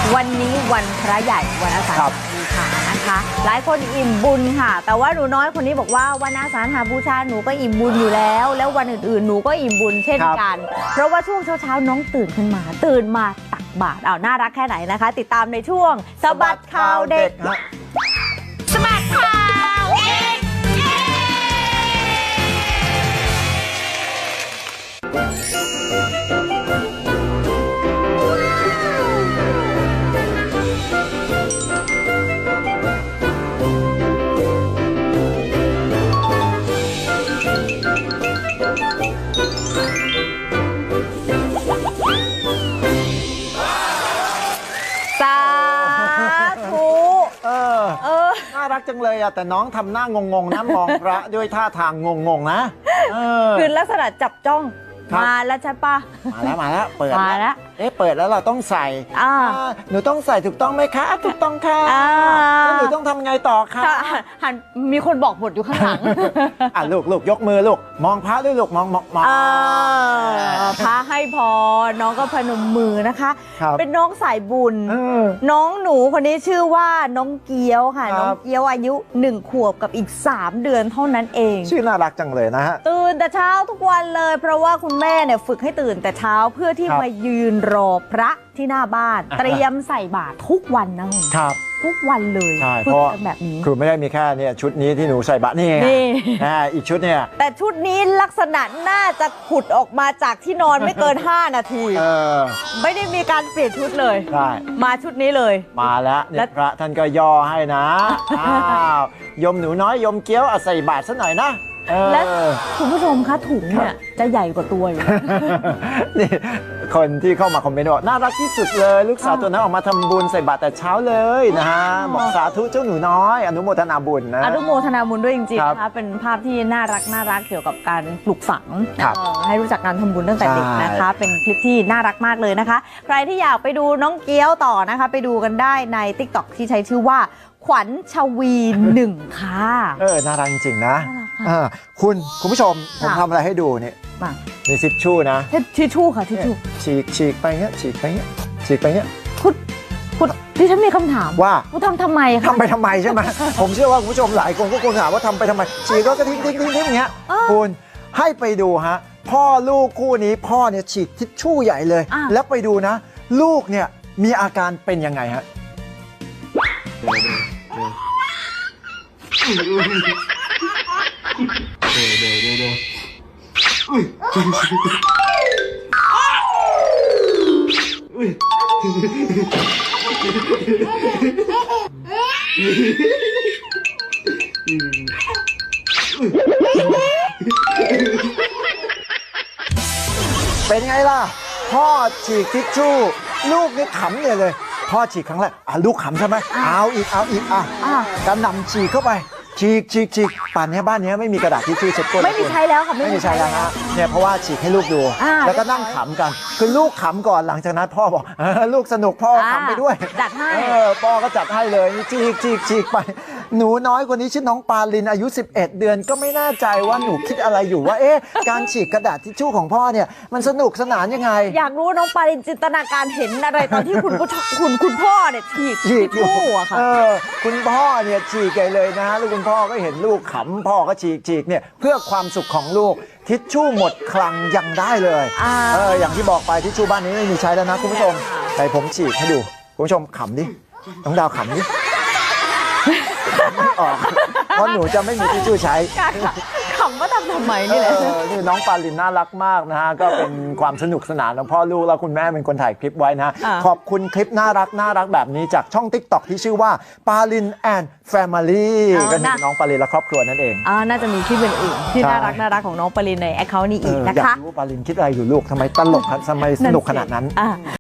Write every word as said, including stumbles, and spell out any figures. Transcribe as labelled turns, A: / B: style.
A: วันนี้วันพระใหญ่วันอาสาฬหบูชานะคะหลายคนอิ่มบุญค่ะแต่ว่าหนูน้อยคนนี้บอกว่าวันอาสาฬหบูชาหนูก็อิ่มบุญอยู่แล้วแล้ววันอื่นๆหนูก็อิ่มบุญเช่นกันเพราะว่าช่วงเช้าๆน้องตื่นขึ้นมาตื่นมาตักบาตรเอาน่ารักแค่ไหนนะคะติดตามในช่วงสบัดข่าวเด็กสบัดข่าวเด็กสาธุ
B: เออเออน่ารักจังเลยอะแต่น้องทำหน้างงๆนะมองพระด้วยท่าทางงงๆนะเออ
A: คือลักษณะจับจ้องมาแล้วใช่ปะ
B: มาแล้วมาแล้วเปิด
A: มาแล้ว
B: เอ๊ะเปิดแล้วเราต้องใส่
A: อ่า
B: หนูต้องใส่ถูกต้องไหมคะถูกต้องค่ะแล้วหนูต้องทำไงต่อคะ
A: หันมีคนบอกบทอยู่ข้างหลัง
B: อ่ะลูกลูกยกมือลูกมองพระด้วยลูกมองมองมอง
A: พระให้พรน้องก็พนมมือนะคะเป็นน้องสายบุญน้องหนูคนนี้ชื่อว่าน้องเกี๊ยวค่ะน้องเกี๊ยวอายุหนึ่งขวบกับอีกสามเดือนเท่านั้นเอง
B: ชื่อน่ารักจังเลยนะฮะ
A: ตื่นแต่เช้าทุกวันเลยเพราะว่าคุณแม่เนี่ยฝึกให้ตื่นแต่เช้าเพื่อที่มายืนรอพระที่หน้าบ้านเตรียมใส่บาตรทุกวันนะครับทุกวันเลย
B: ใช่เพราะแบบนี้คือไม่ได้มีแค่เนี่ยชุดนี้ที่หนูใส่บาตรนี่นะอีกชุดเนี่ย
A: แต่ชุดนี้ลักษณะน่าจะขุดออกมาจากที่นอนไม่เกินห้านาทีไม่ได้มีการเปลี่ยนชุดเลย
B: ใช่
A: มาชุดนี้เลย
B: มาแล้วเนี่ยพระท่านก็ย่อให้นะอ้าวยมหนูน้อยยมเกี้ยวใส่บาตรซะหน่อยนะ
A: และคุณผู้ชมคะถุงเนี่ยจะใหญ่กว่าตัวอยู่
B: นี่คนที่เข้ามาคอมเมนต์บอกน่ารักที่สุดเลยลูกสาวตัวนั้นออกมาทำบุญใส่บาตรแต่เช้าเลยนะฮะบอกสาธุเจ้าหนูน้อยอนุโมทนาบุญนะ
A: อนุโมทนาบุญด้วยจริงๆนะคะเป็นภาพที่น่ารักน่ารักเกี่ยวกับการปลูกฝังให้รู้จักการทำบุญตั้งแต่เด็กนะคะเป็นคลิปที่น่ารักมากเลยนะคะใครที่อยากไปดูน้องเกี๊ยวต่อนะคะไปดูกันได้ใน ติ๊กต็อก ที่ใช้ชื่อว่าขวัญชวีหนึ่งค่ะ
B: เออน่ารักจริงๆนะคุณคุณผู้ชมผมทำอะไรให้ดูนี่มีทิชชู่นะ
A: ทิชชู่ค่ะทิชชู่
B: ฉีกฉีกไปเงี้ยฉีกไปเงี้ยฉีกไปเงี้ย
A: คุณคุณดิฉันมีคำถาม
B: ว่า
A: คุณทำทำไมคะ
B: ทำไปทำไมใช่ไหมผมเชื่อว่าคุณผู้ชมหลายคนก็คงถามว่าทำไปทำไมฉีกแล้วก็ทิ้งทิ้งทิ้งทิ้งอย่างเงี้ยคุณให้ไปดูฮะพ่อลูกคู่นี้พ่อเนี่ยฉีกทิชชู่ใหญ่เลยแล้วไปดูนะลูกเนี่ยมีอาการเป็นยังไงฮะเดี๋ยวเดี๋ยวเดี๋ยวเดี๋ยวเดี๋ยวเดี๋ยวอุ้ยอุ้ยเป็นไงล่ะพ่อฉีกทิชชู่ลูกนี่ขำเลยเลยพ่อฉีกครั้งแรกอ่ะลูกขำใช่ไหมเอาอีกเอาอีกอ่ะกระหน่ำฉีกเข้าไปฉีกฉีกฉีกป่านนี้บ้านนี้ไม่มีกระดาษทิชชู่เช็ดก้น
A: ไม่มีใช้แล้วค่ะ
B: ไม่มีใช้แล้วฮะเนี่ยเพราะว่าฉีกให้ลูกดูแล้วก็นั่งขำกันคือลูกขำก่อนหลังจากนั้นพ่อบอกลูกสนุกพ่อขำไปด้วย
A: จัดให้
B: พ่อก็จัดให้เลยฉีกฉีกฉีกไปหนูน้อยคนนี้ชื่อน้องปาลินอายุสิบเอ็ดเดือนก็ไม่แน่ใจว่าหนูคิดอะไรอยู่ว่าเอ๊ะการฉีกกระดาษทิชชู่ของพ่อเนี่ยมันสนุกสนานยังไง
A: อยากรู้น้องปาลินจินตนาการเห็นอะไรตอนที่คุณคุณคุณพ่อเนี่ยฉีกทิชชู่อะค่ะ
B: คุณพ่อเนี่ยฉีกใหญ่เลยนะแล้วคุณพ่อก็เห็นลูกขำพ่อก็ฉีกฉีกเนี่ยเพื่อความสุขของลูกทิชชู่หมดคลังยังได้เลยเอออย่างที่บอกไปทิชชู่บ้านนี้ไม่มีใช้แล้วนะคุณผู้ชมแต่ผมฉีกให้ดูคุณผู้ชมขำดิน้องดาวขำดิไม่ออกเพราะหนูจะไม่มีทิชชู่ใช้
A: ขำว่าทำทำไมนี่แหละ
B: นี่น้องปาลินน่ารักมากนะฮะก็เป็นความสนุกสนานของพ่อลูกแล้วคุณแม่เป็นคนถ่ายคลิปไว้นะขอบคุณคลิปน่ารักน่ารักแบบนี้จากช่อง ติ๊กต็อก ที่ชื่อว่าปาลินแอนด์แฟมิลี่ก็คือน้องปาลินและครอบครัวนั่นเอง
A: อ่าน่าจะมีคลิปอื่นๆที่น่ารักน่ารักของน้องปาลินในแอคเคาท์นี้อีกนะคะ
B: อยากรู้ปาลินคิดอะไรอยู่ลูกทำไมตลกทำไมสนุกขนาดนั้น